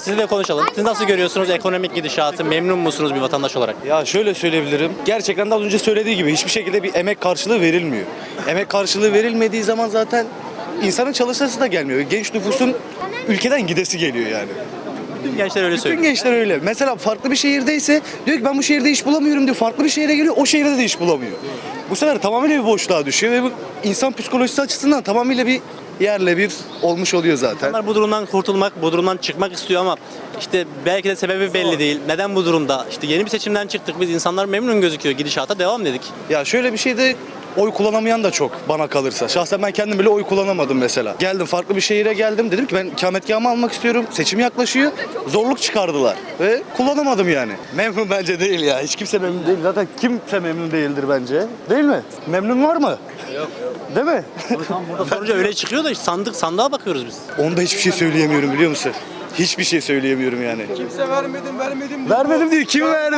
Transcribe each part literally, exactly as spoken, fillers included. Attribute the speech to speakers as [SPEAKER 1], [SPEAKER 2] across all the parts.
[SPEAKER 1] Sizinle konuşalım. Siz nasıl görüyorsunuz ekonomik gidişatı? Memnun musunuz bir vatandaş olarak?
[SPEAKER 2] Ya şöyle söyleyebilirim. Gerçekten de az önce söylediği gibi hiçbir şekilde bir emek karşılığı verilmiyor. Emek karşılığı verilmediği zaman zaten insanın çalışması da gelmiyor. Genç nüfusun ülkeden gidesi geliyor yani.
[SPEAKER 1] Bütün gençler öyle
[SPEAKER 2] Bütün
[SPEAKER 1] söylüyor.
[SPEAKER 2] gençler öyle. Mesela farklı bir şehirdeyse diyor ki ben bu şehirde iş bulamıyorum diyor. Farklı bir şehre geliyor, o şehirde de iş bulamıyor. Bu sefer tamamıyla bir boşluğa düşüyor ve bu insan psikolojisi açısından tamamıyla bir yerle bir olmuş oluyor zaten.
[SPEAKER 1] İnsanlar bu durumdan kurtulmak, bu durumdan çıkmak istiyor ama işte belki de sebebi belli değil. Neden bu durumda? İşte yeni bir seçimden çıktık biz, insanlar memnun gözüküyor. Gidişata devam dedik.
[SPEAKER 2] Ya şöyle bir şey de oy kullanamayan da çok bana kalırsa. Şahsen ben kendim bile oy kullanamadım mesela. Geldim farklı bir şehire geldim. Dedim ki ben ikametgahımı almak istiyorum. Seçim yaklaşıyor. Zorluk çıkardılar. Ve kullanamadım yani. Memnun bence değil ya. Hiç kimse memnun değil. Zaten kimse memnun değildir bence. Değil mi? Memnun var mı? Yok. Değil mi?
[SPEAKER 1] Tam burada sorunca öyle çıkıyor da işte sandık sandığa bakıyoruz biz.
[SPEAKER 2] Onda hiçbir şey söyleyemiyorum biliyor musun? Hiçbir şey söyleyemiyorum yani.
[SPEAKER 3] Kimse vermedim vermedim.
[SPEAKER 2] Vermedim diyor. Kim verdi?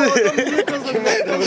[SPEAKER 2] Kim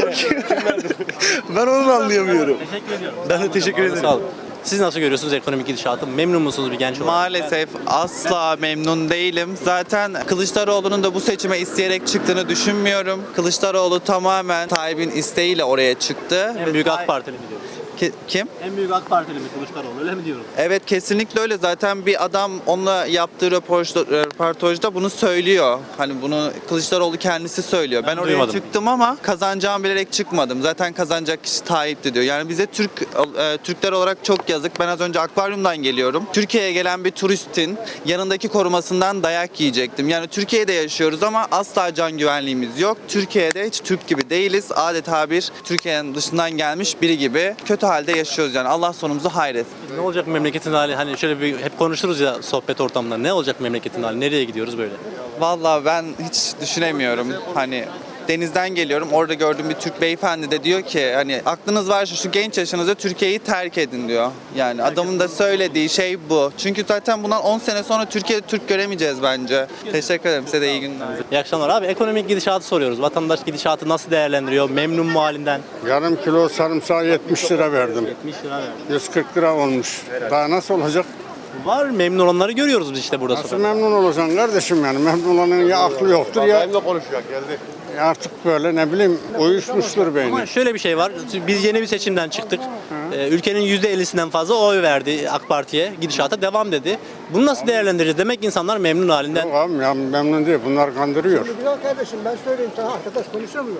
[SPEAKER 2] verdi? Ben onu da anlayamıyorum.
[SPEAKER 1] Teşekkür ediyorum.
[SPEAKER 2] Ben de teşekkür ederim.
[SPEAKER 1] Sağ olun. Siz nasıl görüyorsunuz ekonomik gidişatı? Memnun musunuz bir genç olarak?
[SPEAKER 4] Maalesef asla memnun değilim. Zaten Kılıçdaroğlu'nun da bu seçime isteyerek çıktığını düşünmüyorum. Kılıçdaroğlu tamamen Tayyip'in isteğiyle oraya çıktı.
[SPEAKER 1] En büyük AK Partili mi diyoruz?
[SPEAKER 4] Ki- Kim?
[SPEAKER 1] En büyük AK Partili mi Kılıçdaroğlu, öyle mi diyoruz?
[SPEAKER 4] Evet, kesinlikle öyle. Zaten bir adam onunla yaptığı röportaj- röportajda bunu söylüyor. Hani bunu Kılıçdaroğlu kendisi söylüyor. Ben,
[SPEAKER 1] Ben
[SPEAKER 4] oraya
[SPEAKER 1] duymadım.
[SPEAKER 4] çıktım ama kazanacağımı bilerek çıkmadım. Zaten kazanacak kişi Tayyip'ti diyor. Yani bize Türk e, Türkler olarak çok yazık. Ben az önce akvaryumdan geliyorum. Türkiye'ye gelen bir turistin yanındaki korumasından dayak yiyecektim. Yani Türkiye'de yaşıyoruz ama asla can güvenliğimiz yok. Türkiye'de hiç Türk gibi değiliz. Adeta bir Türkiye'nin dışından gelmiş biri gibi kötü halde yaşıyoruz yani. Allah sonumuzu hayretsin.
[SPEAKER 1] Ne olacak memleketin hali? Hani şöyle bir hep konuşuruz ya sohbet ortamında. Ne olacak memleketin hali? Nereye gidiyoruz böyle?
[SPEAKER 4] Vallahi ben hiç düşünemiyorum. Hani denizden geliyorum. Orada gördüğüm bir Türk beyefendi de diyor ki hani aklınız varsa şu genç yaşınızda Türkiye'yi terk edin diyor. Yani adamın da söylediği şey bu. Çünkü zaten bundan on sene sonra Türkiye'de Türk göremeyeceğiz bence. Teşekkür ederim. Size de iyi günler.
[SPEAKER 1] İyi akşamlar abi. Ekonomik gidişatı soruyoruz. Vatandaş gidişatı nasıl değerlendiriyor? Memnun mu halinden?
[SPEAKER 5] Yarım kilo sarımsağı yetmiş lira verdim.
[SPEAKER 1] yetmiş lira verdi.
[SPEAKER 5] yüz kırk lira olmuş. Daha nasıl olacak?
[SPEAKER 1] Var memnun olanları görüyoruz biz işte burada
[SPEAKER 5] Nasıl
[SPEAKER 1] sokakta.
[SPEAKER 5] memnun olacaksın kardeşim yani? Memnun olanın ya aklı yoktur ya ya artık böyle ne bileyim uyuşmuştur beyni.
[SPEAKER 1] Ama şöyle bir şey var. Biz yeni bir seçimden çıktık. Ee, ülkenin yüzde ellisinden fazla oy verdi AK Parti'ye. Gidişata devam dedi. Bunu nasıl değerlendireceğiz? Demek ki insanlar memnun halinden.
[SPEAKER 5] Yok abi ya memnun değil. Bunlar kandırıyor.
[SPEAKER 3] Güzel kardeşim ben söyleyeyim sana arkadaş konuşamıyor.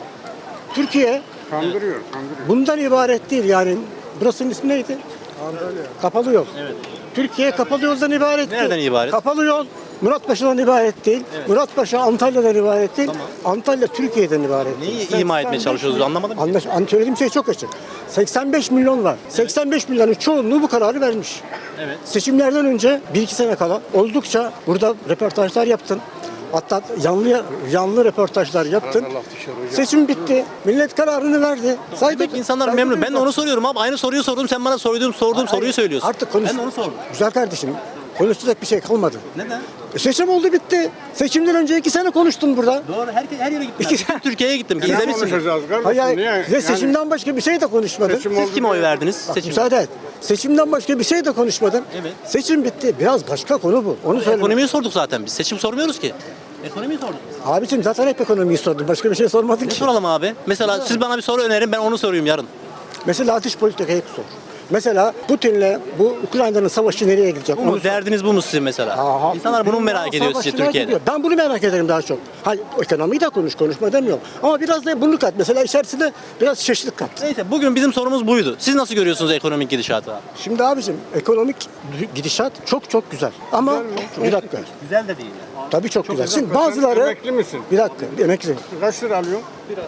[SPEAKER 3] Türkiye
[SPEAKER 5] Kandırıyor, kandırıyor.
[SPEAKER 3] bundan ibaret değil yani. Burasının ismi neydi? Antalya. Kapalı yol.
[SPEAKER 1] Evet.
[SPEAKER 3] Türkiye kapalı yoldan ibaret değil.
[SPEAKER 1] Nereden ibaret?
[SPEAKER 3] Kapalı yol Muratpaşa'dan ibaret değil. Muratpaşa Antalya'dan ibaret değil.
[SPEAKER 1] Tamam.
[SPEAKER 3] Antalya Türkiye'den ibaret değil.
[SPEAKER 1] Neyi ima etmeye çalışıyoruz anlamadım ki.
[SPEAKER 3] Anlaş, an- söylediğim şey çok açık. seksen beş milyon var. seksen beş milyonun çoğunluğu bu kararı vermiş.
[SPEAKER 1] Evet.
[SPEAKER 3] Seçimlerden önce bir iki sene kala oldukça burada röportajlar yaptın. Hatta yanlı yanlı röportajlar yaptın. Seçim bitti. Millet kararını verdi. Saygı,
[SPEAKER 1] Demek ki insanlar
[SPEAKER 3] saygı
[SPEAKER 1] memnun. Ben de
[SPEAKER 3] duyuyorum.
[SPEAKER 1] onu soruyorum abi. Aynı soruyu sordum. Sen bana sorduğum, sorduğum soruyu söylüyorsun.
[SPEAKER 3] Artık konuş.
[SPEAKER 1] Ben de onu sordum.
[SPEAKER 3] Güzel kardeşim. Konuşacak bir şey kalmadı.
[SPEAKER 1] Neden?
[SPEAKER 3] E, seçim oldu bitti. Seçimden önce iki sene konuştun burada.
[SPEAKER 1] Doğru. Herkes her yere gittim.
[SPEAKER 3] İki-
[SPEAKER 1] Ben. Bütün Türkiye'ye gittim.
[SPEAKER 5] Ne
[SPEAKER 1] İzlemişsiniz.
[SPEAKER 5] konuşacağız kardeşim?
[SPEAKER 3] Hayır,
[SPEAKER 5] Niye?
[SPEAKER 3] ve
[SPEAKER 5] Yani
[SPEAKER 3] seçimden başka bir şey de konuşmadın.
[SPEAKER 5] seçim
[SPEAKER 1] Siz
[SPEAKER 5] oldu
[SPEAKER 1] kime oy
[SPEAKER 5] diye-
[SPEAKER 1] verdiniz?
[SPEAKER 3] Bak,
[SPEAKER 1] Seçim.
[SPEAKER 3] müsaade et. Seçimden başka bir şey de konuşmadın.
[SPEAKER 1] Evet.
[SPEAKER 3] Seçim bitti. Biraz başka konu bu. Onu söyle.
[SPEAKER 1] Ekonomiyi sorduk zaten biz. Seçim sormuyoruz ki. Ekonomiyi sorduk.
[SPEAKER 3] Abicim zaten hep ekonomiyi sordun. Başka bir şey sormadın
[SPEAKER 1] Ne
[SPEAKER 3] ki.
[SPEAKER 1] soralım abi? Mesela siz bana bir soru önerin, ben onu sorayım yarın.
[SPEAKER 3] Mesela dış politikayı sor. Mesela Putin'le bu Ukrayna'nın savaşı nereye gidecek?
[SPEAKER 1] Bu mu?
[SPEAKER 3] Onu sor.
[SPEAKER 1] Derdiniz bu mu sizin mesela?
[SPEAKER 3] Aha.
[SPEAKER 1] İnsanlar bunu mu merak ediyor sizce
[SPEAKER 3] Savaşçılar
[SPEAKER 1] Türkiye'de?
[SPEAKER 3] gidiyor. Ben bunu merak ederim daha çok. Hayır, ekonomiyi de konuş, konuşma demiyorum. Ama biraz da bunu kat. Mesela içerisinde biraz çeşitlilik kat.
[SPEAKER 1] Neyse bugün bizim sorumuz buydu. Siz nasıl görüyorsunuz ekonomik gidişatı abi?
[SPEAKER 3] Şimdi abicim ekonomik gidişat çok çok güzel. Ama bir dakika.
[SPEAKER 1] Güzel de değil.
[SPEAKER 3] Tabii çok, güzel. Şimdi
[SPEAKER 5] Sen
[SPEAKER 3] bazıları
[SPEAKER 5] emekli misin?
[SPEAKER 3] bir dakika, bir emekli.
[SPEAKER 5] Kaç lira alıyorsun?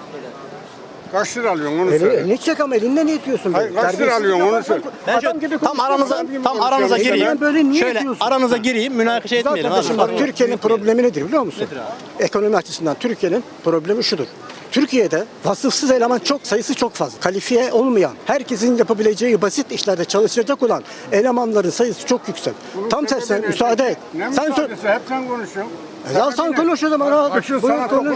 [SPEAKER 5] Kaç lira alıyorsun onu
[SPEAKER 3] Eli,
[SPEAKER 5] söyle.
[SPEAKER 3] elini çek ama elinden ne itiyorsun?
[SPEAKER 5] Hayır,
[SPEAKER 3] böyle?
[SPEAKER 5] kaç lira
[SPEAKER 3] Terbiyesiz
[SPEAKER 5] alıyorsun, onu
[SPEAKER 3] yapan-
[SPEAKER 5] söyle.
[SPEAKER 1] Ben
[SPEAKER 3] Adam
[SPEAKER 1] şöyle,
[SPEAKER 3] gibi
[SPEAKER 1] tam
[SPEAKER 3] konuşuyorsun.
[SPEAKER 1] aranıza
[SPEAKER 3] Adam gibi
[SPEAKER 1] tam
[SPEAKER 3] konuşuyorsun.
[SPEAKER 1] aranıza
[SPEAKER 3] İşte
[SPEAKER 1] gireyim.
[SPEAKER 3] ben böyle niye
[SPEAKER 1] Şöyle
[SPEAKER 3] diyorsun?
[SPEAKER 1] aranıza gireyim, münakaşa etmeyelim
[SPEAKER 3] Zaten
[SPEAKER 1] abi.
[SPEAKER 3] şimdi bak Türkiye'nin problemi nedir biliyor musun? Ekonomi açısından Türkiye'nin problemi şudur. Türkiye'de vasıfsız eleman çok sayısı çok fazla. Kalifiye olmayan, herkesin yapabileceği basit işlerde çalışacak olan elemanların sayısı çok yüksek. Tam tersine müsaade et.
[SPEAKER 5] Ne
[SPEAKER 3] Sen sö-
[SPEAKER 5] müsaadesi? Hep sen konuşuyorsun.
[SPEAKER 3] Ya sen konuş o zaman abi. Buyur konuş.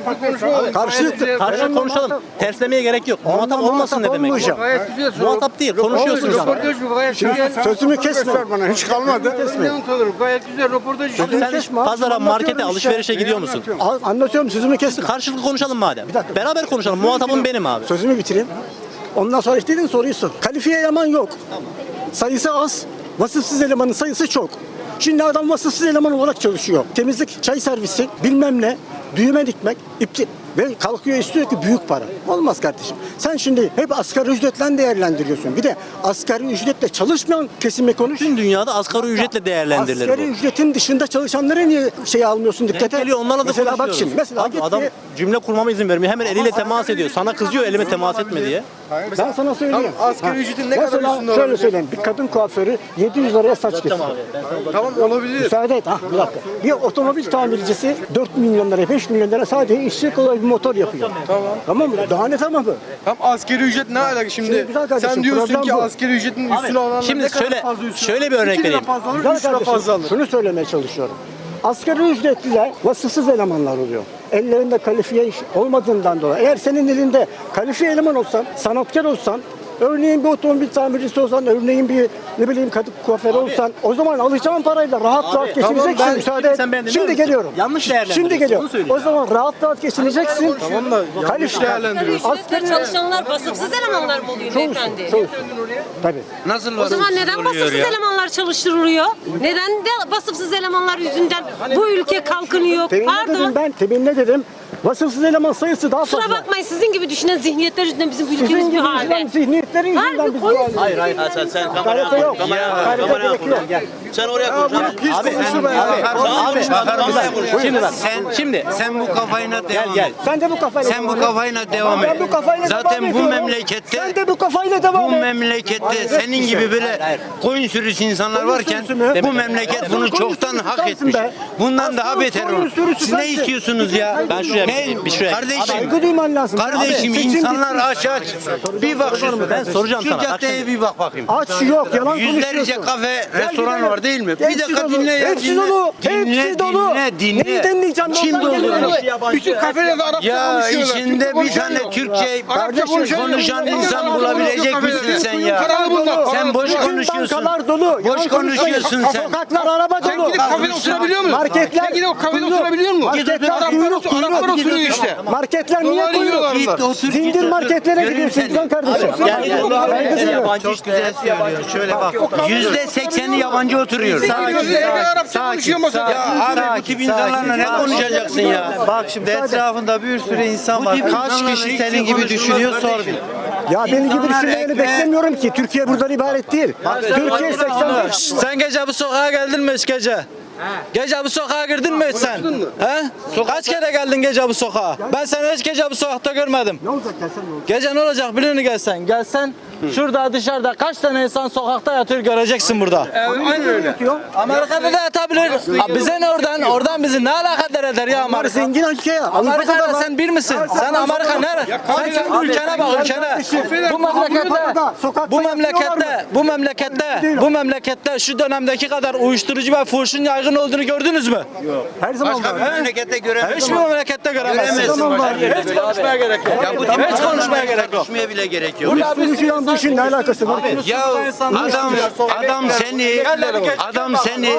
[SPEAKER 3] Karşılıklı.
[SPEAKER 1] Karşı konuşalım. Terslemeye gerek yok. Muhatap olmasın ne demek?
[SPEAKER 3] olmayacağım.
[SPEAKER 1] Muhatap değil. Konuşuyorsunuz.
[SPEAKER 3] Şimdi sözümü kesme.
[SPEAKER 5] Bana hiç kalmadı.
[SPEAKER 6] Gayet güzel röportaj.
[SPEAKER 3] Sözümü
[SPEAKER 1] Sen
[SPEAKER 3] kesme. abi.
[SPEAKER 1] pazara, markete,
[SPEAKER 3] Anlatıyorum
[SPEAKER 1] alışverişe
[SPEAKER 3] işte.
[SPEAKER 1] gidiyor musun?
[SPEAKER 3] Al- Anlatıyorum sözümü kesme.
[SPEAKER 1] Karşılıklı konuşalım madem.
[SPEAKER 3] dakika.
[SPEAKER 1] Beraber konuşalım. Muhatabım benim abi.
[SPEAKER 3] Sözümü bitireyim. Ondan sonra istediğin soruyu sor. Kalifiye eleman yok. Sayısı az. Vasıfsız elemanın sayısı çok. Şimdi adam vasıfsız eleman olarak çalışıyor. Temizlik, çay servisi, bilmem ne, düğme dikmek, ipti ve kalkıyor istiyor ki büyük para. Olmaz kardeşim. Sen şimdi hep asgari ücretle değerlendiriyorsun. Bir de asgari ücretle çalışmayan kesime konuş.
[SPEAKER 1] Tüm dünyada asgari ücretle değerlendirilir
[SPEAKER 3] Asgari
[SPEAKER 1] bu.
[SPEAKER 3] ücretin dışında çalışanları niye şey almıyorsun
[SPEAKER 1] Denk
[SPEAKER 3] dikkate?
[SPEAKER 1] geliyor, onlarla da
[SPEAKER 3] Mesela bak
[SPEAKER 1] konuşuyoruz.
[SPEAKER 3] şimdi. Mesela
[SPEAKER 1] Abi
[SPEAKER 3] git
[SPEAKER 1] adam
[SPEAKER 3] bir-
[SPEAKER 1] cümle kurmama izin vermiyor. Hemen eliyle temas ediyor. Sana kızıyor elime temas etme diye.
[SPEAKER 3] Ben sana söyleyeyim.
[SPEAKER 2] Tamam, asgari ücretin ne kadar
[SPEAKER 3] Mesela
[SPEAKER 2] üstünde
[SPEAKER 3] şöyle
[SPEAKER 2] olabilir?
[SPEAKER 3] söyleyeyim. Bir kadın kuaförü yedi yüz liraya saç kesiyor.
[SPEAKER 2] Tamam olabilir.
[SPEAKER 3] Müsaade et. Ha, bir dakika. Bir otomobil tamircisi dört milyon lira, beş milyon lira sadece işçi kolay bir motor yapıyor. Tamam. Tamam mı? Daha ne tamamı?
[SPEAKER 2] Tam asgari ücret ne alaka şimdi?
[SPEAKER 3] Şimdi güzel kardeşim,
[SPEAKER 2] Sen diyorsun
[SPEAKER 3] problem
[SPEAKER 2] ki
[SPEAKER 3] bu.
[SPEAKER 2] asgari ücretin üstüne olanlar
[SPEAKER 1] Şimdi
[SPEAKER 2] ne kadar
[SPEAKER 1] şöyle
[SPEAKER 2] fazla üstüne
[SPEAKER 1] şöyle bir örnek
[SPEAKER 2] İki lira
[SPEAKER 1] vereyim.
[SPEAKER 2] fazla alır,
[SPEAKER 3] Güzel
[SPEAKER 2] üç lira
[SPEAKER 3] kardeşim,
[SPEAKER 2] fazla alır.
[SPEAKER 3] şunu söylemeye çalışıyorum. Asgari ücretliler vasıfsız elemanlar oluyor. Ellerinde kalifiye iş olmadığından dolayı. Eğer senin elinde kalifiye eleman olsan, sanatkar olsan, örneğin bir otomobil tamircisi olsan, örneğin bir ne bileyim kadın kuaförü olsan, o zaman alacağın parayla rahat rahat geçineceksin.
[SPEAKER 1] tamam, ben-
[SPEAKER 3] Müsaade et.
[SPEAKER 1] sen beni dinler
[SPEAKER 3] Şimdi
[SPEAKER 1] misin?
[SPEAKER 3] geliyorum.
[SPEAKER 1] Yanlış değerlendiriyorsun,
[SPEAKER 3] Şimdi geliyorum.
[SPEAKER 1] onu söyleyeyim.
[SPEAKER 3] O zaman rahat rahat geçineceksin.
[SPEAKER 2] Tamam da yanlış değerlendiriyorsun.
[SPEAKER 7] Ücretle çalışanlar vasıfsız elemanlar mı oluyor beyefendi?
[SPEAKER 3] Çoğusu. Tabii.
[SPEAKER 6] Nasıl
[SPEAKER 7] O zaman neden vasıfsız elemanlar çalıştırılıyor? Neden de vasıfsız elemanlar yüzünden bu ülke kalkınıyor?
[SPEAKER 3] Temin ne dedim
[SPEAKER 7] Pardon.
[SPEAKER 3] ben? Temin ne dedim? Vasıfsız eleman sayısı daha fazla.
[SPEAKER 7] Kusura bakmayın sizin gibi düşünen zihniyetler yüzünden bizim
[SPEAKER 3] Sizin
[SPEAKER 7] ülkemiz bir
[SPEAKER 3] gibi
[SPEAKER 7] halde.
[SPEAKER 3] düşünen zihniyetlerin yüzünden
[SPEAKER 7] Harbi
[SPEAKER 3] biz
[SPEAKER 7] konuş.
[SPEAKER 3] bu haldeyiz.
[SPEAKER 1] Hayır hayır sen sen
[SPEAKER 3] Hakarete yok. Hakarete gerek yok.
[SPEAKER 1] Sen oraya konuş. Abi,
[SPEAKER 2] Hiç
[SPEAKER 1] abi,
[SPEAKER 2] konuşma ya.
[SPEAKER 1] abi, abi, şimdi bak.
[SPEAKER 6] Sen,
[SPEAKER 1] Şimdi
[SPEAKER 6] sen bu kafayla
[SPEAKER 1] gel
[SPEAKER 6] devam
[SPEAKER 1] gel.
[SPEAKER 6] et.
[SPEAKER 3] Sen de bu kafayla
[SPEAKER 6] Sen bu
[SPEAKER 3] devam et.
[SPEAKER 6] kafayla devam
[SPEAKER 3] Ben
[SPEAKER 6] et.
[SPEAKER 3] bu kafayla
[SPEAKER 6] Zaten
[SPEAKER 3] devam
[SPEAKER 6] bu
[SPEAKER 3] ediyorum.
[SPEAKER 6] memlekette
[SPEAKER 3] Sen de bu kafayla devam
[SPEAKER 6] bu
[SPEAKER 3] et.
[SPEAKER 6] memlekette senin gibi böyle koyun sürüsü insanlar
[SPEAKER 3] Koyun
[SPEAKER 6] varken
[SPEAKER 3] sürüsü mü?
[SPEAKER 6] bu memleket bunu
[SPEAKER 3] Koyun
[SPEAKER 6] çoktan
[SPEAKER 3] sürüsü
[SPEAKER 6] hak
[SPEAKER 3] sensin
[SPEAKER 6] etmiş.
[SPEAKER 3] be.
[SPEAKER 6] Bundan daha
[SPEAKER 3] Aslan
[SPEAKER 6] beter
[SPEAKER 3] koyun
[SPEAKER 6] olur.
[SPEAKER 3] sürüsü
[SPEAKER 6] Siz ne
[SPEAKER 3] sensin.
[SPEAKER 6] istiyorsunuz ya?
[SPEAKER 1] Ben şuraya bir
[SPEAKER 6] Ne?
[SPEAKER 1] gideyim, bir şuraya gideyim.
[SPEAKER 6] Kardeşim,
[SPEAKER 3] Saygı duyman lazım.
[SPEAKER 6] kardeşim
[SPEAKER 3] Abi, seçim
[SPEAKER 6] insanlar
[SPEAKER 3] bitti.
[SPEAKER 6] aç aç. Bir bak şu,
[SPEAKER 1] Ben soracağım
[SPEAKER 6] şu
[SPEAKER 1] sana, bak
[SPEAKER 6] caddeye
[SPEAKER 1] şimdi.
[SPEAKER 6] bir bak bakayım.
[SPEAKER 3] Aç yok, yalan
[SPEAKER 6] Yüzlerce
[SPEAKER 3] konuşuyorsun.
[SPEAKER 6] kafe,
[SPEAKER 3] Gel
[SPEAKER 6] restoran
[SPEAKER 3] gidelim.
[SPEAKER 6] var değil mi? Bir
[SPEAKER 3] Hepsi
[SPEAKER 6] dakika
[SPEAKER 3] dolu,
[SPEAKER 6] dinle ya.
[SPEAKER 3] hepsi
[SPEAKER 6] dinle.
[SPEAKER 3] dolu,
[SPEAKER 6] Dinle,
[SPEAKER 3] hepsi dolu.
[SPEAKER 6] dinle, dinle.
[SPEAKER 3] Neyi dinleyeceğim?
[SPEAKER 6] Kim
[SPEAKER 3] Oradan
[SPEAKER 6] dolduruyor?
[SPEAKER 3] geliyorum.
[SPEAKER 5] Bütün kafelerde Arapça
[SPEAKER 6] Ya
[SPEAKER 5] konuşuyorlar.
[SPEAKER 6] içinde
[SPEAKER 5] Türkçe
[SPEAKER 6] bir tane
[SPEAKER 5] konuşuyor.
[SPEAKER 6] Türkçe
[SPEAKER 5] Arapça konuşan
[SPEAKER 6] konuşan
[SPEAKER 5] yok.
[SPEAKER 6] insan
[SPEAKER 5] Arapça
[SPEAKER 6] bulabilecek
[SPEAKER 5] konuşuyor
[SPEAKER 6] misin sen
[SPEAKER 5] kafelerde.
[SPEAKER 6] ya?
[SPEAKER 5] Paralı bunlar.
[SPEAKER 6] Sen boş
[SPEAKER 3] Bütün
[SPEAKER 6] konuşuyorsun.
[SPEAKER 3] bankalar dolu.
[SPEAKER 6] Boş
[SPEAKER 3] Yalan konuşmayın.
[SPEAKER 6] konuşuyorsun sen.
[SPEAKER 3] Sokaklar araba
[SPEAKER 5] Sen
[SPEAKER 3] dolu.
[SPEAKER 5] gidip kafede oturabiliyor musun?
[SPEAKER 3] Marketler
[SPEAKER 5] Sen gidip o kafede
[SPEAKER 3] kuyruk.
[SPEAKER 5] oturabiliyor musun?
[SPEAKER 3] Marketler
[SPEAKER 5] Araplar,
[SPEAKER 3] kuyruk,
[SPEAKER 5] otur- Araplar
[SPEAKER 3] kuyruk.
[SPEAKER 5] oturuyor işte.
[SPEAKER 3] Marketler niye
[SPEAKER 5] Doları yiyorlar
[SPEAKER 3] kuyruk?
[SPEAKER 5] onlar.
[SPEAKER 6] Git otur.
[SPEAKER 3] Zincir
[SPEAKER 6] git otur.
[SPEAKER 3] marketlere
[SPEAKER 6] Göreyim
[SPEAKER 3] gidiyorsun
[SPEAKER 6] seni.
[SPEAKER 3] güzel kardeşim.
[SPEAKER 1] Gel gel.
[SPEAKER 3] Saygı duyuyorum.
[SPEAKER 6] Yabancı güzel söylüyor. Şöyle bak. Yüzde sekseni yabancı oturuyor.
[SPEAKER 5] Sakin, Arapça konuşuyor masada.
[SPEAKER 6] Ya abi bu tip insanlarla ne konuşacaksın ya?
[SPEAKER 8] Bak şimdi etrafında bir sürü insan var. Kaç kişi senin gibi düşünüyor sor bir.
[SPEAKER 3] Ya benim gibi
[SPEAKER 6] İnsanlar
[SPEAKER 3] düşünmeyeni
[SPEAKER 6] ekmeğe-
[SPEAKER 3] beklemiyorum ki. Türkiye buradan ibaret değil. Türkiye seksen beş.
[SPEAKER 8] Sen gece bu sokağa geldin mi hiç gece? Gece bu sokağa girdin mi hiç sen? He? Kaç kere geldin gece bu sokağa? Ben seni hiç gece bu sokakta görmedim.
[SPEAKER 3] Ne olacak gelsen ne olacak?
[SPEAKER 8] Gece ne olacak biliyor musun gelsen? Gelsen şurada dışarıda kaç tane insan sokakta yatıyor göreceksin burada.
[SPEAKER 5] Aynen öyle.
[SPEAKER 8] Amerika'da da yatabilir. Abi bize ne oradan? Oradan bizi ne alakadar eder ya
[SPEAKER 3] Onlar
[SPEAKER 8] Amerika?
[SPEAKER 3] zengin ülke ya.
[SPEAKER 8] Amerika'da
[SPEAKER 3] Avrupa'da var.
[SPEAKER 8] sen bir misin? Sen Amerika nere? Sen kendi ülkene bak ülkene. Bu memlekette, bu memlekette, bu memlekette, bu memlekette şu dönemdeki kadar uyuşturucu ve fuhuşun yaygın olduğunu gördünüz mü?
[SPEAKER 3] Her zaman
[SPEAKER 6] Başka bir
[SPEAKER 3] var.
[SPEAKER 6] memlekette göremezsin.
[SPEAKER 8] Hiçbir memlekette göremezsiniz.
[SPEAKER 3] Zaman var.
[SPEAKER 8] Hiç konuşmaya gerek yok.
[SPEAKER 6] Ya bu
[SPEAKER 8] Hiç konuşmaya gerek yok.
[SPEAKER 6] konuşmaya bile gerek yok.
[SPEAKER 3] Uyuşturucuyla bu işin ne alakası var?
[SPEAKER 6] Ya adam adam seni adam seni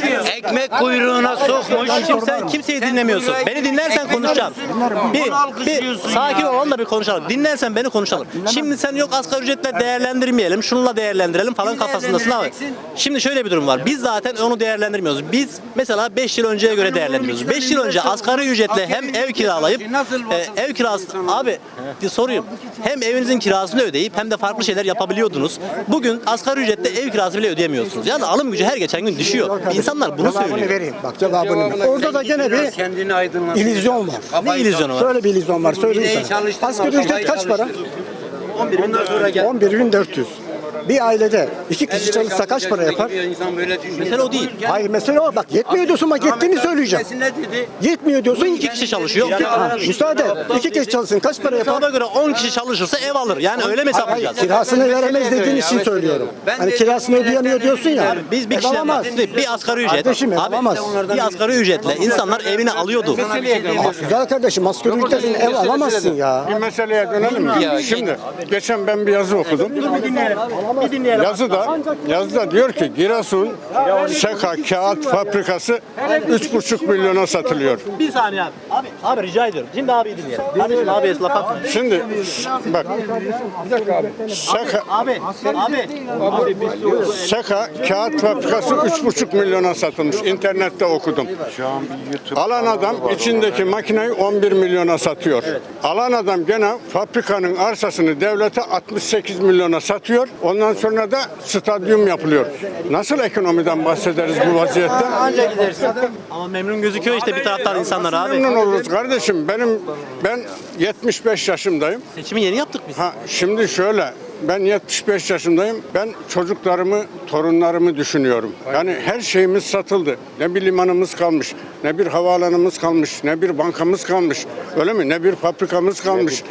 [SPEAKER 6] ekmek kuyruğuna sokmuş.
[SPEAKER 1] Şimdi sen kimseyi dinlemiyorsun. Beni dinlersen konuşacağım. Bir, bir sakin ol, onunla bir konuşalım. Dinlersen beni konuşalım. Şimdi sen yok asgari ücretle değerlendirmeyelim, şununla değerlendirelim falan kafasındasın abi. Şimdi şöyle bir durum var. Biz zaten onu değerlendirmiyoruz. Biz mesela beş yıl önceye göre değerlendiriyoruz. beş yıl önce asgari ücretle hem ev kiralayıp e, ev kirası abi bir sorayım. Hem evinizin kirasını ödeyip hem de farklı şeyler yapabiliyordunuz. Bugün asgari ücretle ev kirası bile ödeyemiyorsunuz. Yani alım gücü her geçen gün düşüyor. İnsanlar bunu
[SPEAKER 3] Cevabını
[SPEAKER 1] söylüyor.
[SPEAKER 3] vereyim. Bak cevabını ver. Orada da gene bir
[SPEAKER 6] Kendini aydınlat.
[SPEAKER 3] illüzyon var.
[SPEAKER 1] Ne illüzyonu var?
[SPEAKER 3] Şöyle bir illüzyon var. Söyleyeyim
[SPEAKER 6] Bileği
[SPEAKER 3] sana.
[SPEAKER 6] çalıştırma,
[SPEAKER 3] Asgari ücret
[SPEAKER 6] kafayı
[SPEAKER 3] kaç para?
[SPEAKER 6] Ondan sonra gel.
[SPEAKER 3] on bir bin dört yüz. Bir ailede iki kişi çalışsa kaç para yapar?
[SPEAKER 1] Mesele o değil.
[SPEAKER 3] Hayır mesele o. Bak yetmiyor diyorsun bak yettiğini söyleyeceğim. Yetmiyor diyorsun.
[SPEAKER 1] İki kişi çalışıyor.
[SPEAKER 3] Ha, müsaade. İki kişi çalışsın kaç para yapar?
[SPEAKER 1] Hesaba göre on kişi çalışırsa ev alır. Yani öyle mi
[SPEAKER 3] Hayır,
[SPEAKER 1] hesaplayacağız?
[SPEAKER 3] kirasını veremez dediğin için söylüyorum. Hani kirasını ödeyemiyor diyorsun ya.
[SPEAKER 1] Biz bir
[SPEAKER 3] Ev
[SPEAKER 1] kişiden
[SPEAKER 3] alamaz.
[SPEAKER 1] bahsediyoruz. Bir asgari ücret.
[SPEAKER 3] Kardeşim, ev
[SPEAKER 1] Abi,
[SPEAKER 3] alamaz.
[SPEAKER 1] bir asgari ücretle insanlar evini alıyordu.
[SPEAKER 3] Güzel kardeşim asgari ücretin ev alamazsın ya.
[SPEAKER 5] Bir meseleye dönelim mi? Şimdi geçen ben bir yazı okudum. Yazıda, yazıda diyor ki Giresun Seka Kağıt Fabrikası üç buçuk milyona satılıyor.
[SPEAKER 1] Bir saniye abi. Abi, abi rica ediyorum. Şimdi abi dinleyelim. Kardeşim abi laf atma.
[SPEAKER 5] Şimdi bak Seka,
[SPEAKER 1] Abi, abi.
[SPEAKER 5] Seka Kağıt Fabrikası üç buçuk milyona satılmış. İnternette okudum. Alan adam içindeki makineyi on bir milyona satıyor. Alan adam gene fabrikanın arsasını devlete altmış sekiz milyona satıyor. Ondan sonra da stadyum yapılıyor. Nasıl ekonomiden bahsederiz bu vaziyette?
[SPEAKER 1] Ama memnun gözüküyor işte bir taraftan insanlar abi.
[SPEAKER 5] Memnun oluruz kardeşim. Benim ben yetmiş beş yaşındayım.
[SPEAKER 1] Seçimi yeni yaptık biz.
[SPEAKER 5] Ha şimdi şöyle ben yetmiş beş yaşındayım. Ben çocuklarımı, torunlarımı düşünüyorum. Yani her şeyimiz satıldı. Ne bir limanımız kalmış, ne bir havaalanımız kalmış, ne bir bankamız kalmış. Öyle mi? Ne bir fabrikamız kalmış.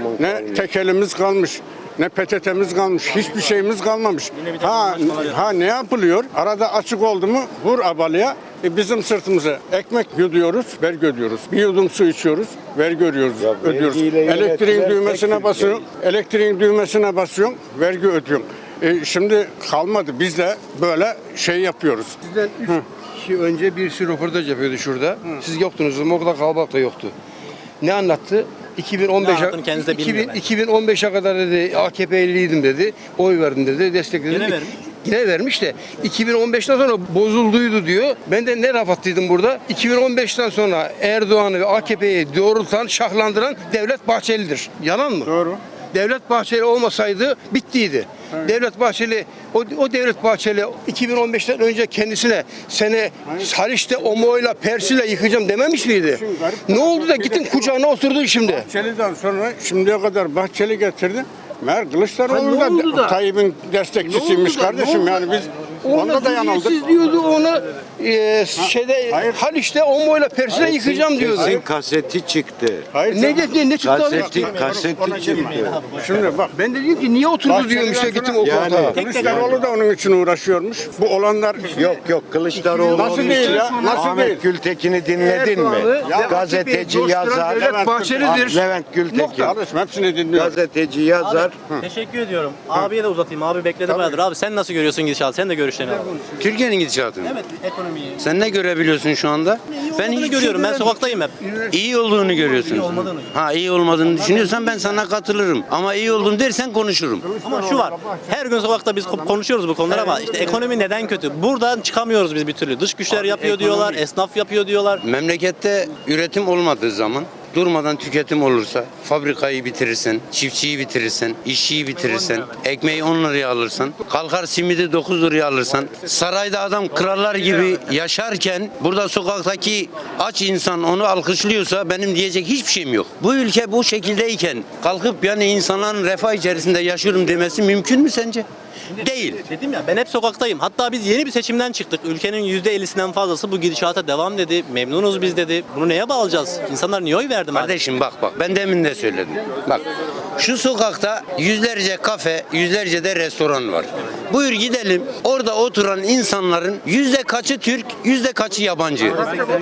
[SPEAKER 5] Ne tekelimiz kalmış. Ne P T T'miz kalmış, hiçbir şeyimiz kalmamış. Ha, ha ne yapılıyor? Arada açık oldu mu vur abalıya. E bizim sırtımıza ekmek yuduyoruz, vergi ödüyoruz. Bir yudum su içiyoruz, vergi ödüyoruz. ödüyoruz. Elektriğin düğmesine basıyorsun, elektriğin düğmesine basıyorsun, vergi ödüyorsun. E şimdi kalmadı. Biz de böyle şey yapıyoruz.
[SPEAKER 9] Sizden üç kişi önce bir sürü röportaj yapıyordu şurada. Siz yoktunuz ama orada kalabalık da yoktu. Ne anlattı? iki bin on beşe
[SPEAKER 1] anlattığını kendisi de bilmiyor belki.
[SPEAKER 9] iki bin on beşe kadar dedi A K P'liydim dedi. Oy verdim dedi, destekledim.
[SPEAKER 1] Yine vermiş.
[SPEAKER 9] Yine vermiş de iki bin on beşten sonra bozulduydu diyor. Ben de ne laf attıydım burada? iki bin on beşten sonra Erdoğan'ı ve A K P'yi doğrultan, şahlandıran Devlet Bahçeli'dir. Yalan mı?
[SPEAKER 5] Doğru.
[SPEAKER 9] Devlet Bahçeli olmasaydı bittiydi. Devlet Bahçeli o, o Devlet Bahçeli iki bin on beşten önce kendisine seni Haliç'te Omo'yla Persi'yle yıkacağım dememiş miydi? Ne oldu da gittin kucağına oturdun şimdi?
[SPEAKER 5] Bahçeli'den sonra şimdiye kadar Bahçeli getirdi. Meğer Kılıçdaroğlu
[SPEAKER 9] Ha, ne oldu
[SPEAKER 5] da
[SPEAKER 9] da?
[SPEAKER 5] Tayyip'in destekçisiymiş
[SPEAKER 9] Ne oldu da?
[SPEAKER 5] kardeşim.
[SPEAKER 9] Ne
[SPEAKER 5] Yani
[SPEAKER 9] oldu
[SPEAKER 5] biz
[SPEAKER 9] Onunla
[SPEAKER 5] onda da yanıldık.
[SPEAKER 9] Siz diyordu onu e, şeyde
[SPEAKER 5] hayır.
[SPEAKER 9] Haliç'te Omo'yla Persi'yle yıkacağım diyordu.
[SPEAKER 10] Kesin kaseti çıktı.
[SPEAKER 5] Hayır,
[SPEAKER 9] Ne dedi ne çıktı abi?
[SPEAKER 10] Kaseti, kaseti çıktı.
[SPEAKER 5] Şimdi bak.
[SPEAKER 9] Ben de diyorum ki niye oturdu diyorum işte gittim o
[SPEAKER 10] Yani-
[SPEAKER 9] koltuğa.
[SPEAKER 5] Kılıçdaroğlu da onun için uğraşıyormuş. Bu olanlar
[SPEAKER 10] Yok yok Kılıçdaroğlu
[SPEAKER 5] Nasıl
[SPEAKER 10] onun
[SPEAKER 5] değil
[SPEAKER 10] için-
[SPEAKER 5] ya? Nasıl
[SPEAKER 10] Ahmet
[SPEAKER 5] değil?
[SPEAKER 10] Gültekin'i dinledin mi?
[SPEAKER 9] Erdoğan'ı ve
[SPEAKER 10] Gazeteci
[SPEAKER 9] A K P'yi
[SPEAKER 10] yazar.
[SPEAKER 9] coşturan Devlet Bahçeli'dir.
[SPEAKER 10] Levent Gültekin.
[SPEAKER 5] kardeşim hepsini dinliyorum.
[SPEAKER 10] Gazeteci yazar.
[SPEAKER 1] Teşekkür ediyorum. Abiye de uzatayım. Abi bekledi bayağıdır. Abi sen nasıl görüyorsun gidişatı? Sen de görüşlerini al.
[SPEAKER 6] Türkiye'nin gidişatını.
[SPEAKER 1] Evet ekonomiyi.
[SPEAKER 6] Sen ne görebiliyorsun şu anda?
[SPEAKER 1] Ben iyi görüyorum. Ben sokaktayım hep.
[SPEAKER 6] İyi olduğunu görüyorsun.
[SPEAKER 1] İyi olmadığını.
[SPEAKER 6] Ha iyi olmadığını düşünüyorsan ben sana katılırım. Ama iyi olduğunu dersen konuşurum.
[SPEAKER 1] Ama şu var. Her gün sokakta biz konuşuyoruz bu konuları ama işte ekonomi neden kötü? Buradan çıkamıyoruz biz bir türlü. Dış güçler yapıyor
[SPEAKER 6] ekonomi-
[SPEAKER 1] diyorlar. Esnaf yapıyor diyorlar.
[SPEAKER 6] Memlekette üretim olmadığı zaman durmadan tüketim olursa fabrikayı bitirirsin, çiftçiyi bitirirsin, işçiyi bitirirsin, ekmeği on liraya alırsan, kalkar simidi dokuz liraya alırsan, sarayda adam krallar gibi yaşarken burada sokaktaki aç insan onu alkışlıyorsa benim diyecek hiçbir şeyim yok. Bu ülke bu şekildeyken kalkıp yani insanların refah içerisinde yaşıyorum demesi mümkün mü sence? Değil.
[SPEAKER 1] Dedim ya ben hep sokaktayım. Hatta biz yeni bir seçimden çıktık. Ülkenin yüzde ellisinden fazlası bu gidişata devam dedi. Memnunuz biz dedi. Bunu neye bağlayacağız? İnsanlar niye oy verdi madem?
[SPEAKER 6] Kardeşim bak bak ben demin de söyledim. Bak şu sokakta yüzlerce kafe, yüzlerce de restoran var. Buyur gidelim. Orada oturan insanların yüzde kaçı Türk, yüzde kaçı yabancı?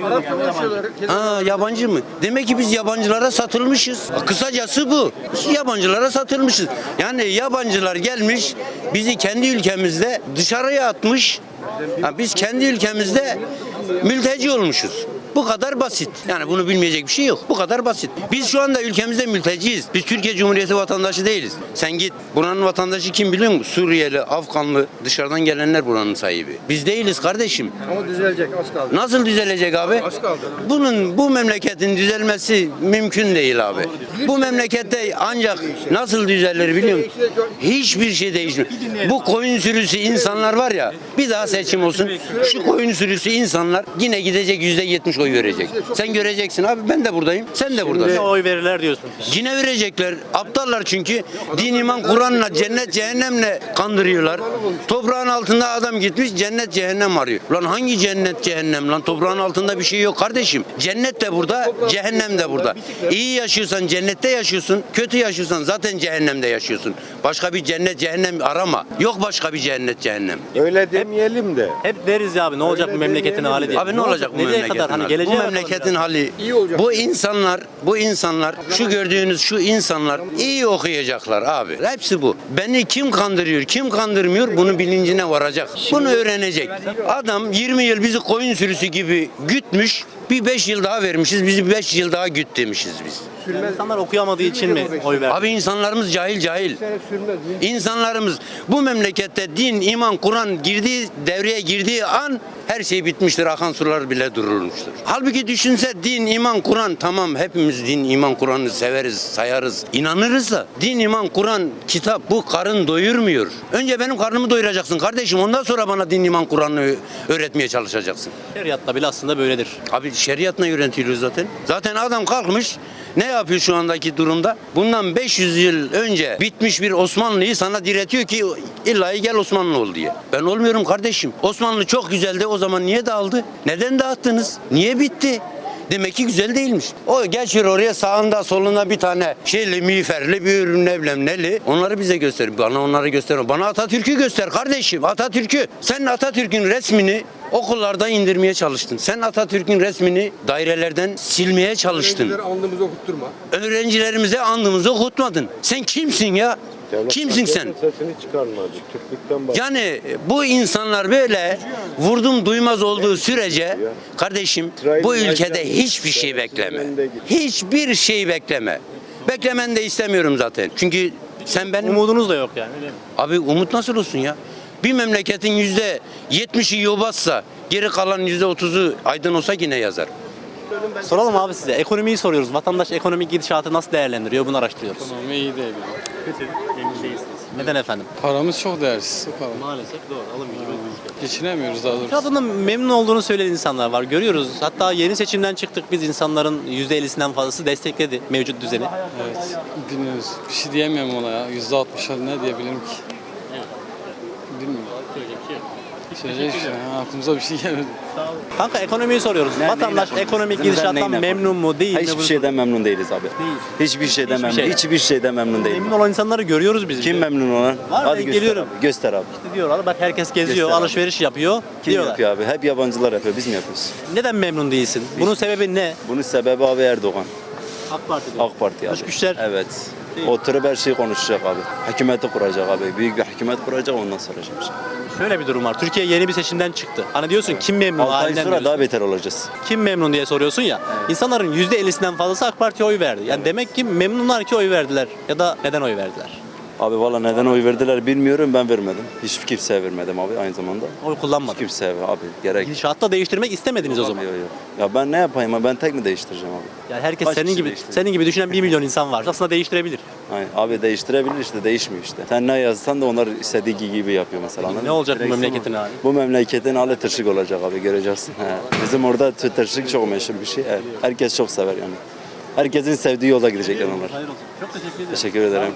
[SPEAKER 6] Ha yabancı mı? Demek ki biz yabancılara satılmışız. Kısacası bu. Biz yabancılara satılmışız. Yani yabancılar gelmiş bizi kendi ülkemizde dışarıya atmış. Ha, biz kendi ülkemizde mülteci olmuşuz. Bu kadar basit. Yani bunu bilmeyecek bir şey yok. Bu kadar basit. Biz şu anda ülkemizde mülteciyiz. Biz Türkiye Cumhuriyeti vatandaşı değiliz. Sen git buranın vatandaşı kim biliyor musun? Suriyeli, Afganlı, dışarıdan gelenler buranın sahibi. Biz değiliz kardeşim.
[SPEAKER 9] Ama düzelecek az kaldı.
[SPEAKER 6] Nasıl düzelecek abi?
[SPEAKER 9] Az kaldı.
[SPEAKER 6] Bunun bu memleketin düzelmesi mümkün değil abi. Bu memlekette ancak nasıl düzelir biliyor musun? Hiçbir şey değişmiyor. Bu koyun sürüsü insanlar var ya bir daha seçim olsun. Şu koyun sürüsü insanlar yine gidecek yüzde yetmiş oy oy verecek. Sen göreceksin abi, ben de buradayım, sen de buradasın.
[SPEAKER 1] Yine oy verirler diyorsun.
[SPEAKER 6] Yine verecekler. Aptallar çünkü. Din, iman, Kur'an'la, cennet, cehennemle kandırıyorlar. Toprağın altında adam gitmiş, cennet, cehennem arıyor. Lan hangi cennet, cehennem lan? Toprağın altında bir şey yok kardeşim. Cennet de burada, cehennem de burada. İyi yaşıyorsan cennette yaşıyorsun, kötü yaşıyorsan zaten cehennemde yaşıyorsun. Başka bir cennet, cehennem arama. Yok başka bir cennet, cehennem.
[SPEAKER 10] Öyle demeyelim de.
[SPEAKER 1] Hep deriz ya abi ne olacak bu memleketin hali diye.
[SPEAKER 6] Abi ne olacak bu
[SPEAKER 1] Nereye
[SPEAKER 6] memleketin
[SPEAKER 1] kadar hani
[SPEAKER 6] hali?
[SPEAKER 1] geleceğe
[SPEAKER 6] Bu
[SPEAKER 1] bakalım
[SPEAKER 6] memleketin
[SPEAKER 1] ya.
[SPEAKER 6] hali. Bu insanlar, bu insanlar, şu gördüğünüz şu insanlar iyi okuyacaklar abi. Hepsi bu. Beni kim kandırıyor, kim kandırmıyor bunu bilincine varacak. Bunu öğrenecek. Adam yirmi yıl bizi koyun sürüsü gibi gütmüş. Bir beş yıl daha vermişiz, bizi beş yıl daha güt demişiz biz.
[SPEAKER 1] İnsanlar okuyamadığı için mi oy verdi?
[SPEAKER 6] Abi insanlarımız cahil cahil. İnsanlarımız bu memlekette din, iman, Kur'an girdiği devreye girdiği an her şey bitmiştir. Akan sular bile durulmuştur. Halbuki düşünse din, iman, Kur'an tamam hepimiz din, iman, Kur'an'ı severiz, sayarız, inanırız da din, iman, Kur'an, kitap bu karın doyurmuyor. Önce benim karnımı doyuracaksın kardeşim. Ondan sonra bana din, iman, Kur'an'ı öğretmeye çalışacaksın.
[SPEAKER 1] Şeriatta bile aslında böyledir.
[SPEAKER 6] Abi şeriatla yönetiliyor zaten. Zaten adam kalkmış ne yapıyor şu andaki durumda? Bundan beş yüz yıl önce bitmiş bir Osmanlı'yı sana diretiyor ki illa gel Osmanlı ol diye. Ben olmuyorum kardeşim. Osmanlı çok güzeldi, o zaman niye dağıldı? Neden dağıttınız? Niye bitti? Demek ki güzel değilmiş. O geçiyor oraya, sağında solunda bir tane şeyli, miğferli, bir ne bileyim neli. Onları bize göster. Bana onları gösterme. Bana Atatürk'ü göster kardeşim. Atatürk'ü. Sen Atatürk'ün resmini okullarda indirmeye çalıştın. Sen Atatürk'ün resmini dairelerden silmeye çalıştın.
[SPEAKER 9] Andımızı okutturma.
[SPEAKER 6] Öğrencilerimize andımızı okutmadın. Sen kimsin ya?
[SPEAKER 10] Devlet
[SPEAKER 6] Kimsin sen?
[SPEAKER 10] Sesini çıkarmadı. Türklükten bahsediyor.
[SPEAKER 6] Yani bu insanlar böyle vurdum duymaz olduğu sürece kardeşim bu ülkede hiçbir şey bekleme. Hiçbir şey bekleme. Beklemen de istemiyorum zaten. Çünkü sen benim...
[SPEAKER 1] Umudunuz da yok yani. Öyle mi?
[SPEAKER 6] Abi umut nasıl olsun ya? Bir memleketin yüzde yetmişi yobazsa geri kalan yüzde otuzu aydın olsa yine yazar.
[SPEAKER 1] Soralım abi size. Ekonomiyi soruyoruz. Vatandaş ekonomik gidişatı nasıl değerlendiriyor? Bunu araştırıyoruz.
[SPEAKER 11] Ekonomi iyi değil.
[SPEAKER 1] Kötü. Memnun değilsiniz. Neden efendim?
[SPEAKER 11] Paramız çok değersiz. O kadar.
[SPEAKER 1] Maalesef doğru. Alım gücümüz düştü.
[SPEAKER 11] Geçinemiyoruz daha doğrusu.
[SPEAKER 1] Ya bundan memnun olduğunu söyleyen insanlar var. Görüyoruz. Hatta yeni seçimden çıktık biz insanların yüzde ellisinden fazlası destekledi mevcut düzeni.
[SPEAKER 11] Evet. Dinliyoruz. Bir şey diyemiyorum ona ya. yüzde altmışa ne diyebilirim ki? Bilmiyorum. Söyleyecek bir şey. Ha, aklımıza bir şey gelmedi.
[SPEAKER 1] Kanka ekonomiyi soruyoruz. Vatandaş ekonomik gidişattan memnun mu değil mi?
[SPEAKER 12] Hiçbir
[SPEAKER 1] Bunu
[SPEAKER 12] şeyden memnun değiliz abi.
[SPEAKER 1] Değiliz.
[SPEAKER 12] Hiçbir şeyden
[SPEAKER 1] Hiçbir
[SPEAKER 12] memnun.
[SPEAKER 1] şeyden.
[SPEAKER 12] Hiçbir şeyden memnun değilim.
[SPEAKER 1] Memnun olan insanları görüyoruz biz.
[SPEAKER 12] Kim memnun olan?
[SPEAKER 1] Var,
[SPEAKER 12] Hadi
[SPEAKER 1] ben
[SPEAKER 12] göster
[SPEAKER 1] geliyorum.
[SPEAKER 12] Abi. Göster abi.
[SPEAKER 1] İşte diyorlar bak herkes geziyor,
[SPEAKER 12] Göster abi.
[SPEAKER 1] alışveriş yapıyor.
[SPEAKER 12] Kim
[SPEAKER 1] diyorlar.
[SPEAKER 12] yapıyor abi? Hep yabancılar yapıyor. Biz mi yapıyoruz?
[SPEAKER 1] Neden memnun değilsin? Bunun sebebi ne?
[SPEAKER 12] Bunun sebebi abi Erdoğan.
[SPEAKER 1] AK Parti diyor.
[SPEAKER 12] AK Parti abi.
[SPEAKER 1] Dış güçler.
[SPEAKER 12] Evet.
[SPEAKER 1] Değil.
[SPEAKER 12] Oturup her şeyi konuşacak abi. Hükümeti kuracak abi. Büyük bir hükümet kuracak, ondan soracak bir şey.
[SPEAKER 1] Şöyle bir durum var. Türkiye yeni bir seçimden çıktı. Hani diyorsun kim memnun
[SPEAKER 12] altı ay
[SPEAKER 1] halinden
[SPEAKER 12] sonra
[SPEAKER 1] diyorsun.
[SPEAKER 12] daha beter olacağız.
[SPEAKER 1] Kim memnun diye soruyorsun ya. İnsanların yüzde ellisinden fazlası AK Parti'ye oy verdi. Yani demek ki memnunlar ki oy verdiler. Ya da neden oy verdiler?
[SPEAKER 12] Abi valla neden oy verdiler bilmiyorum, ben vermedim. Hiç kimseye vermedim abi aynı zamanda.
[SPEAKER 1] Oy kullanmadı.
[SPEAKER 12] Kimseye abi gerek.
[SPEAKER 1] Gidişatta değiştirmek istemediniz o zaman.
[SPEAKER 12] Yok, yok. Ya ben ne yapayım abi? Ben tek mi değiştireceğim abi?
[SPEAKER 1] Yani herkes
[SPEAKER 12] Kaç
[SPEAKER 1] senin
[SPEAKER 12] kişi
[SPEAKER 1] gibi
[SPEAKER 12] değiştirdi?
[SPEAKER 1] senin gibi düşünen bir milyon insan var. Aslında değiştirebilir.
[SPEAKER 12] Aynen. Abi değiştirebilir işte, değişmiyor işte. Sen ne yazsan da onlar istediği gibi yapıyor mesela. anladın
[SPEAKER 1] Ne
[SPEAKER 12] mı?
[SPEAKER 1] olacak bu
[SPEAKER 12] Direksiyon-
[SPEAKER 1] memleketin hali?
[SPEAKER 12] Bu memleketin hali tırşık olacak abi, göreceksin. He. Bizim orada tı- tırşık çok meşhur bir şey. Evet. Herkes çok sever yani. Herkesin sevdiği yolda gidecekler onlar.
[SPEAKER 1] Hayır olsun. Çok teşekkür ederim.
[SPEAKER 12] Teşekkür ederim.